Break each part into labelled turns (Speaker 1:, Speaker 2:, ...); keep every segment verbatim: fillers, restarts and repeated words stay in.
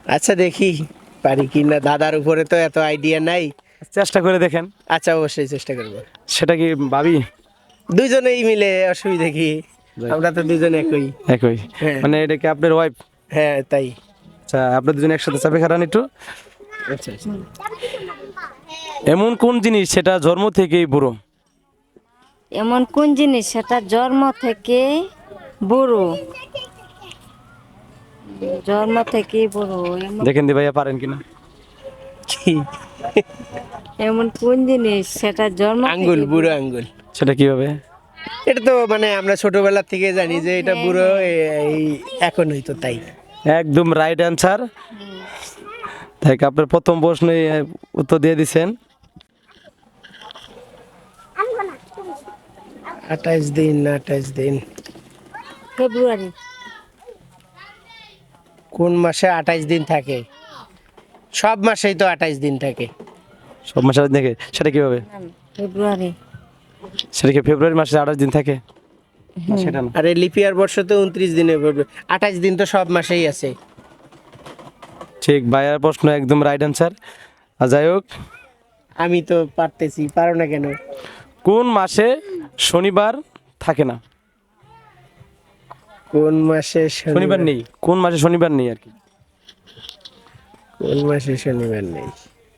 Speaker 1: আচ্ছা দেখি পারি কি না, দাদার উপরে তো এত আইডিয়া নাই।
Speaker 2: চেষ্টা করে দেখেন।
Speaker 1: আচ্ছা অবশ্যই চেষ্টা করবো।
Speaker 2: সেটা কি ভাবি?
Speaker 1: দুইজনেই মিলে, অসুবিধা কি, আমরা তো দুজন একই।
Speaker 2: একই
Speaker 1: হ্যাঁ
Speaker 2: মানে এটা কি আপনার ওয়াইফ?
Speaker 1: হ্যাঁ তাই।
Speaker 2: আচ্ছা আপনার দুজন একসাথে চাপে খারান একটু।
Speaker 1: আচ্ছা আচ্ছা।
Speaker 2: এমন কোন জিনিস সেটা জন্ম থেকেই বুড়ো?
Speaker 3: এমন কোন জিনিস সেটা জন্ম থেকে বুড়ো? জন্ম থেকে বুড়ো এমন
Speaker 2: দেখেন দি ভাইয়া পারেন কিনা।
Speaker 1: কি?
Speaker 3: এমন কোন জিনিস সেটা জন্ম
Speaker 1: আঙ্গুল,
Speaker 3: থেকে
Speaker 1: বুড়ো আঙ্গুল।
Speaker 2: সেটা কিভাবে?
Speaker 1: এটা তো মানে আমরা ছোটবেলা থেকে জানি যে এটা
Speaker 3: হ্যাঁ,
Speaker 1: বুড়ো, এই এখন হয়তো তাই।
Speaker 2: একদম রাইট অ্যান্সার। তাই আপনার প্রথম প্রশ্নে উত্তর দিয়ে দিছেন।
Speaker 1: আঠাইশ দিন, আঠাইশ দিন
Speaker 3: ফেব্রুয়ারি।
Speaker 1: কোন মাসে আঠাইশ দিন থাকে? সব মাসেই তো আঠাইশ দিন থাকে।
Speaker 2: সব মাসে দেখে সেটা কিভাবে?
Speaker 3: ফেব্রুয়ারি।
Speaker 2: সেটা কি ফেব্রুয়ারি মাসে আঠাশ দিন থাকে? না সেটা না।
Speaker 1: আরে লিপিয়ার বর্ষ তো উনত্রিশ দিনে পড়বে, আঠাইশ দিন তো সব মাসেই আছে।
Speaker 2: ঠিক ভাইয়ার প্রশ্ন একদম রাইট অ্যান্সার। আর যাই হোক,
Speaker 1: আমি তো পারতেছি, পারো না কেন?
Speaker 2: কোন মাসে শনিবার থাকে না?
Speaker 1: কোন মাসে
Speaker 2: শনিবার নেই, কোন মাসে শনিবার নেই আর কি।
Speaker 1: কোন মাসে শনিবার নেই?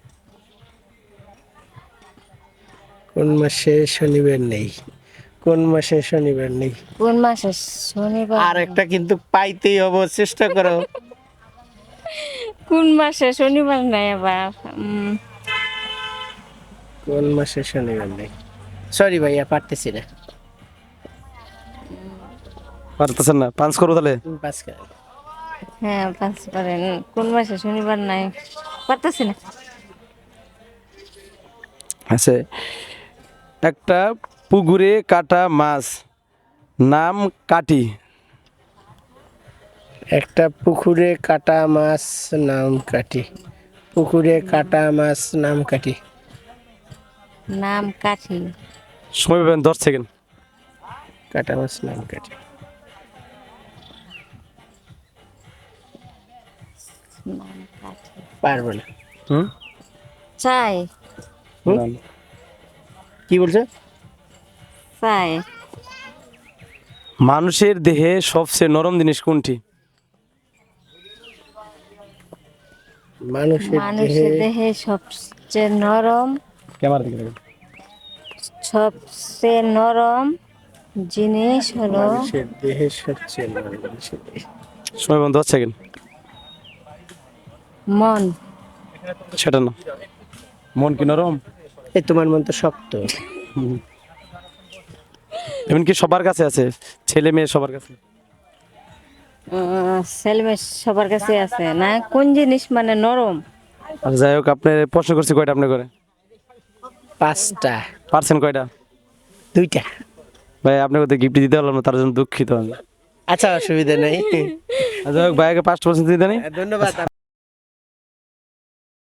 Speaker 1: কোন মাসে শনিবার নেই? কোন মাসে শনিবার নেই?
Speaker 3: কোন মাসে শনিবার?
Speaker 1: আর একটা কিন্তু পাইতেই হবে, চেষ্টা করো।
Speaker 3: কোন মাসে শনিবার নাই আবার? উম,
Speaker 1: কোন মাসে শনিবার নেই? সরি ভাইয়া, পারতেছি না।
Speaker 2: পারতেছেন না? পাঁচ করবো তাহলে।
Speaker 1: তুমি পাস করো।
Speaker 3: হ্যাঁ পাঁচ পারেন। কোন মাসে শনিবার নাই পারতেছি না।
Speaker 2: আছে একটা পুকুরে কাটা মাছ, নাম কাটি।
Speaker 1: একটা পুকুরে কাটা মাছ নাম কাটি। পুকুরে কাটা মাছ নাম কাটি।
Speaker 3: নাম কাঠি।
Speaker 2: সময় পাবেন দশ সেকেন্ড।
Speaker 1: কাটা মাছ নাম কাটি।
Speaker 3: নাম কাঠি।
Speaker 1: পারবো না।
Speaker 2: হুম
Speaker 3: চাই।
Speaker 1: হুম?
Speaker 2: না, না।
Speaker 1: কি বলছো?
Speaker 3: চাই।
Speaker 2: মানুষের দেহে সবচেয়ে নরম জিনিস কোনটি?
Speaker 1: মানুষের দেহে
Speaker 3: মানুষের দেহে সবচেয়ে নরম
Speaker 2: ক্যামেরা দিকে দেখেন।
Speaker 3: সবচেয়ে নরম জিনিস হলো
Speaker 1: মানুষের দেহে সবচেয়ে নরম মানুষের দেহে।
Speaker 2: সময় পাবেন দশ সেকেন্ড।
Speaker 3: মন।
Speaker 2: সেটা না। মন কি নরম?
Speaker 1: এই তোমার মন তো শক্ত।
Speaker 2: এমনকি সবার কাছে আছে, ছেলে মেয়ে সবার কাছে।
Speaker 3: আহ, ছেলে মেয়ে সবার কাছে আছে না? কোন জিনিস মানে নরম?
Speaker 2: আর যাই হোক, আপনি প্রশ্ন করছি কয়টা আপনি করে?
Speaker 1: পাঁচটা।
Speaker 2: পারছেন কয়টা?
Speaker 1: দুইটা।
Speaker 2: ভাই আপনাকে তো গিফট দিতে পারলাম না, তার জন্য দুঃখিত আমি।
Speaker 1: আচ্ছা অসুবিধা নেই।
Speaker 2: আর যাই হোক, ভাইকে পাঁচটা পার্সেন্ট দিতে নেই।
Speaker 1: ধন্যবাদ।